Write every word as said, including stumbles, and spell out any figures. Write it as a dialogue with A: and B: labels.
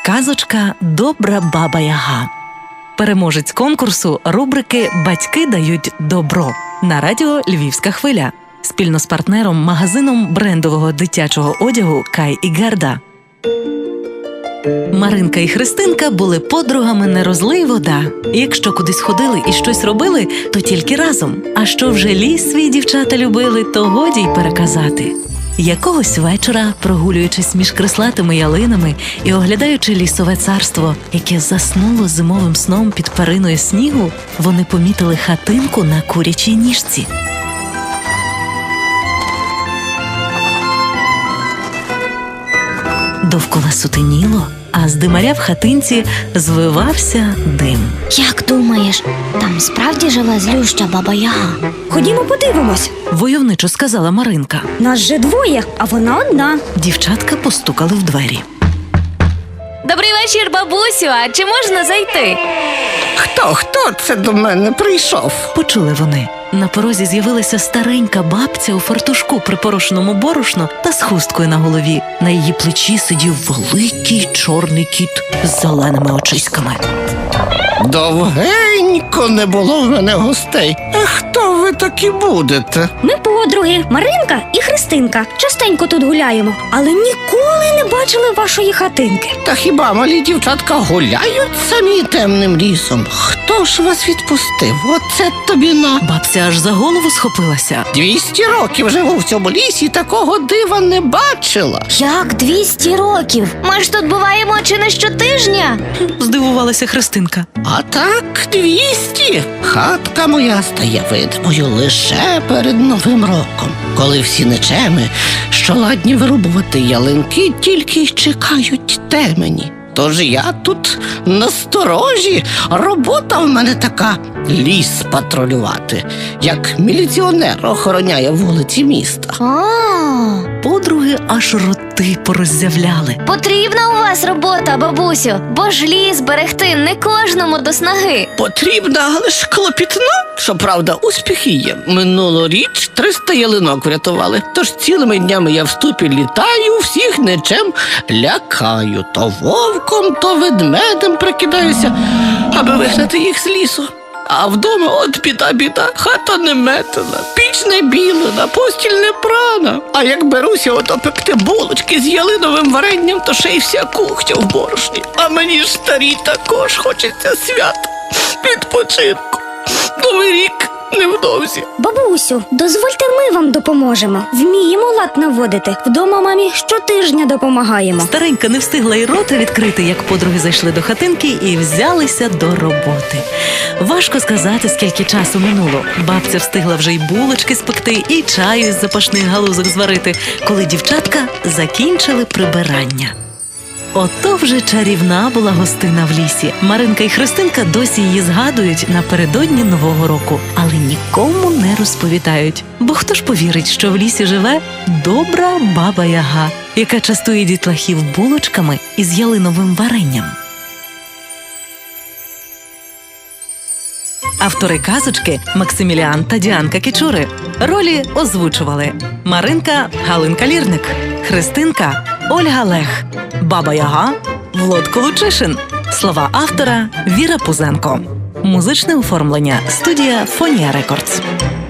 A: Казочка «Добра баба Яга». Переможець конкурсу рубрики «Батьки дають добро» на радіо «Львівська хвиля» спільно з партнером магазином брендового дитячого одягу «Кай і Герда». Маринка і Христинка були подругами не розлий вода. І якщо кудись ходили і щось робили, то тільки разом. А що вже ліс свій дівчата любили, то годі й переказати. Якогось вечора, прогулюючись між крислатими ялинами і оглядаючи лісове царство, яке заснуло зимовим сном під периною снігу, вони помітили хатинку на курячій ніжці. Довкола сутеніло, а з димаря в хатинці звивався дим.
B: Як думаєш, там справді жила злюща баба Яга?
C: Ходімо подивимось.
A: Войовничо сказала Маринка.
C: Нас же двоє, а вона одна.
A: Дівчатка постукали в двері.
D: Добрий вечір, бабусю, а чи можна зайти?
E: Хто, хто це до мене прийшов?
A: Почули вони. На порозі з'явилася старенька бабця у фартушку, припорошеному борошно та з хусткою на голові. На її плечі сидів великий чорний кіт з зеленими очиськами.
E: Довгенько не було в мене гостей. А хто ви такі будете?
C: Ми подруги, Маринка і Христинка. Частенько тут гуляємо, але ніколи не бачили вашої хатинки.
E: Та хіба малі дівчатка гуляють самі темним лісом? Хто ж вас відпустив? Оце тобі на.
A: Бабця аж за голову схопилася.
E: Двісті років живу в цьому лісі, такого дива не бачила.
B: Як двісті років?
D: Ми ж тут буваємо чи не щотижня?
A: Здивувалася Христинка.
E: А так, двісті. Хатка моя стає видимою лише перед Новим роком, коли всі нечеми, що ладні вирубувати ялинки, тільки й чекають темені. Тож я тут насторожі, робота в мене така – ліс патрулювати, як міліціонер охороняє вулиці міста.
B: А,
A: Подруги аж роти пороззявляли.
D: Потрібна у вас робота, бабусю, бо ж ліс берегти не кожному до снаги.
E: Потрібна, але ж клопітна. Щоправда, успіхи є. Минулоріч триста ялинок врятували. Тож цілими днями я в ступі літаю, всіх нечем лякаю. То вовком, то ведмедем прикидаюся, аби вигнати їх з лісу. А вдома от біда-біда, хата не метена, піч не білена, постіль не прана. А як беруся ото пекти булочки з ялиновим варенням, то ще й вся кухня в борошні. А мені ж старій також хочеться свята, відпочинку. Новий рік невдовзі.
C: Бабусю, дозвольте, ми вам допоможемо. Вміємо лад наводити. Вдома мамі щотижня допомагаємо.
A: Старенька не встигла й рота відкрити, як подруги зайшли до хатинки і взялися до роботи. Важко сказати, скільки часу минуло. Бабця встигла вже й булочки спекти, і чаю із запашних галузок зварити, коли дівчатка закінчили прибирання. Ото вже чарівна була гостина в лісі. Маринка і Христинка досі її згадують напередодні Нового року, але нікому не розповідають. Бо хто ж повірить, що в лісі живе добра баба Яга, яка частує дітлахів булочками із ялиновим варенням. Автори казочки Максиміліан та Діанка Кічури. Ролі озвучували Маринка – Галинка Лірник, Христинка – Ольга Лех, баба Яга – Володко Лучишин. Слова автора – Віра Пузенко. Музичне оформлення – студія Фонія Рекордс.